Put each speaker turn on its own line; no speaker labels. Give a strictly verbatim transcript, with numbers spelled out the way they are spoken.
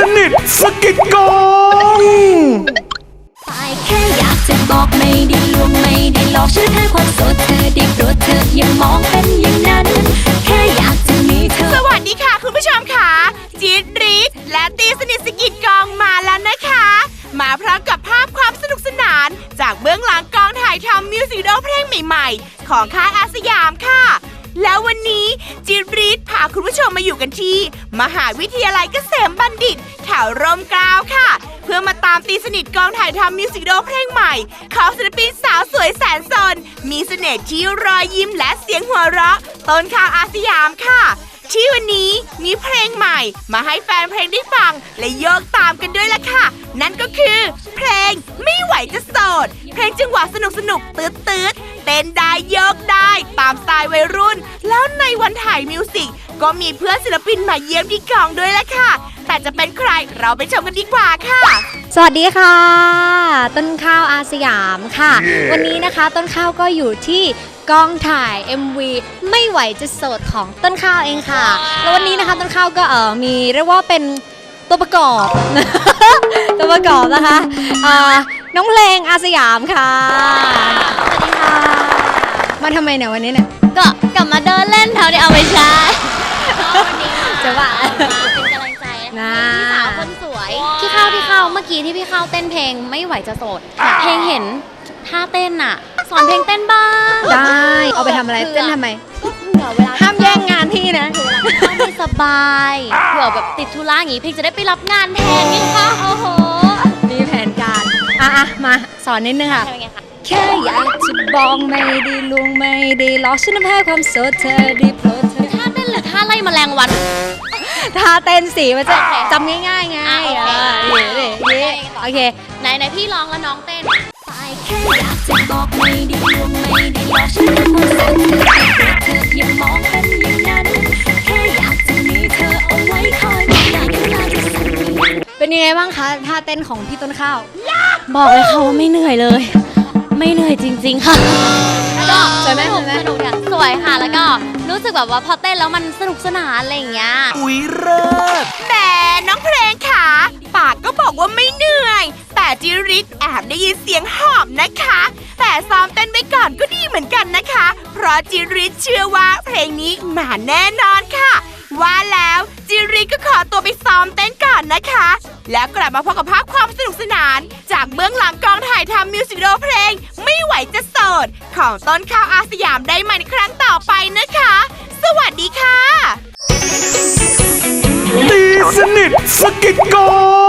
นิทสกิดกอง
ไปแค่อยากจะบอกไม่ได้ลวงไม่ได้หลอกฉันแค่ความโสดเธอได้โปรดเธออย่ามองเป็นอย่างนั้นแค่อยากจะมีเธอ
สวัสดีค่ะคุณผู้ชมค่ะจี๊ดรีดและตีสนิทสกิดกองมาแล้วนะคะมาพร้อมกับภาพความสนุกสนานจากเบื้องหลังกองถ่ายทำมิวสิควิดีโอเพลงใหม่ๆของค่ายอาสยามค่ะแล้ววันนี้จี๊ดรีดพาคุณผู้ชมมาอยู่กันที่มหาวิทยาลัยเกษมบัณฑิตแถวร่มเกล้าค่ะเพื่อมาตามตีสนิทกองถ่ายทำมิวสิควิดีโอเพลงใหม่ของศิลปินสาวสวยแสนสนมีเสน่ห์ที่รอยยิ้มและเสียงหัวเราะต้นข่าวอาสยามค่ะที่วันนี้มีเพลงใหม่มาให้แฟนเพลงได้ฟังและโยกตามกันด้วยล่ะค่ะนั่นก็คือเพลงไม่ไหวจะโสดเพลงจังหวะสนุกสนุกตืดตืดเต้นได้โยกได้ตามสไตล์วัยรุ่นแล้วในวันถ่ายมิวสิกก็มีเพื่อนศิลปินมาเยี่ยมที่กองด้วยล่ะค่ะแต่จะเป็นใครเราไปชมกันดีกว่าค่ะ
สวัสดีค่ะต้นข้าวอาสยามค่ะ yeah. วันนี้นะคะต้นข้าวก็อยู่ที่กองถ่าย เอ็ม วี ไม่ไหวจะโสดของต้นข้าวเองค่ะ wow. แล้ววันนี้นะคะต้นข้าวก็เออมีเรียกว่าเป็นตัวประกอบ ตัวประกอบนะคะน้องเพลงอาสยามค่ะสวัสดีค่ะมาทำไมเนี่ยวันนี้เนี่ย
ก็กลับมาเดินเล่นแถวนี้เอาไปใช้วันนี้จะว่าเป็นกำลังใจนะพี่สาวคนสวยพี่ข้าวพี่ข้าวเมื่อกี้ที่พี่ข้าวเต้นเพลงไม่ไหวจะโสดเพลงเห็นท่าเต้นอ่ะสอนเพลงเต้นบ้าง
ได้เอาไปทำอะไรเต้นทำไม
ก็เผื่อเวลา
ห้ามแย่งงานพี่นะ
เผื่อเวลาไม่สบายเผื่อแบบติดธุระอย่างงี้เพลงจะได้ไปรับงานแทนนี่ค่ะโอ้โห
มีแผนการอ่ะอ่ะมาสอนนิดนึงค่ะแค่อยากจะบอกไม่ได้ลวงไม่ได้หลอกฉันแค่ความโสดเธอได้โปรดเธอ
ท่าเต้นหรือท่าไล่แมลงวัน
ท่าเต้นสีมันจะจำง่ายๆไงโอเคโอเค
ไหนไหนพี่ร้องแล้วน้องเต้นไปแค่อยากจะบอกไม่ได้ลวงไม่ได้หลอกฉันแค่ความโสดเธอได้โปรดเธออย่ามองเป็นอย่างนั้นแค่อยากจะมีเธอเอาไว้คอยมองหน้ากันมาจะสั่น
เป็นยังไงบ้างคะท่าเต้นของพี่ต้นข้าว
บอกเลยค่ะว่าไม่เหนื่อยเลยไม่เหนื่อยจริงๆค่ะก็
สวยไหมสวยไหม
สนุกสวยค่ะแล้วก็รู้สึกแบบว่าพอเต้นแล้วมันสนุกสนานอะไรอย่างเงี้ย
อุ๊ยเลิศแหมน้องเพลงค่ะปากก็บอกว่าไม่เหนื่อยแต่จิริศแอบได้ยินเสียงหอบนะคะแต่ซ้อมเต้นไปก่อนก็ดีเหมือนกันนะคะเพราะจิริศเชื่อว่าเพลงนี้มาแน่นอนค่ะว่าแล้วจิริศก็ขอตัวไปซ้อมเต้นก่อนนะคะแล้วกลับมาพบกับภาพความสนุกสนานจากเบื้องหลังกองถ่ายทำมิวสิควิดีโอเพลงไม่ไหวจะโสดของต้นข้าวอาสยามได้ใหม่ในครั้งต่อไปนะคะสวัสดีค่ะ
ตีสนิทสกิดกอง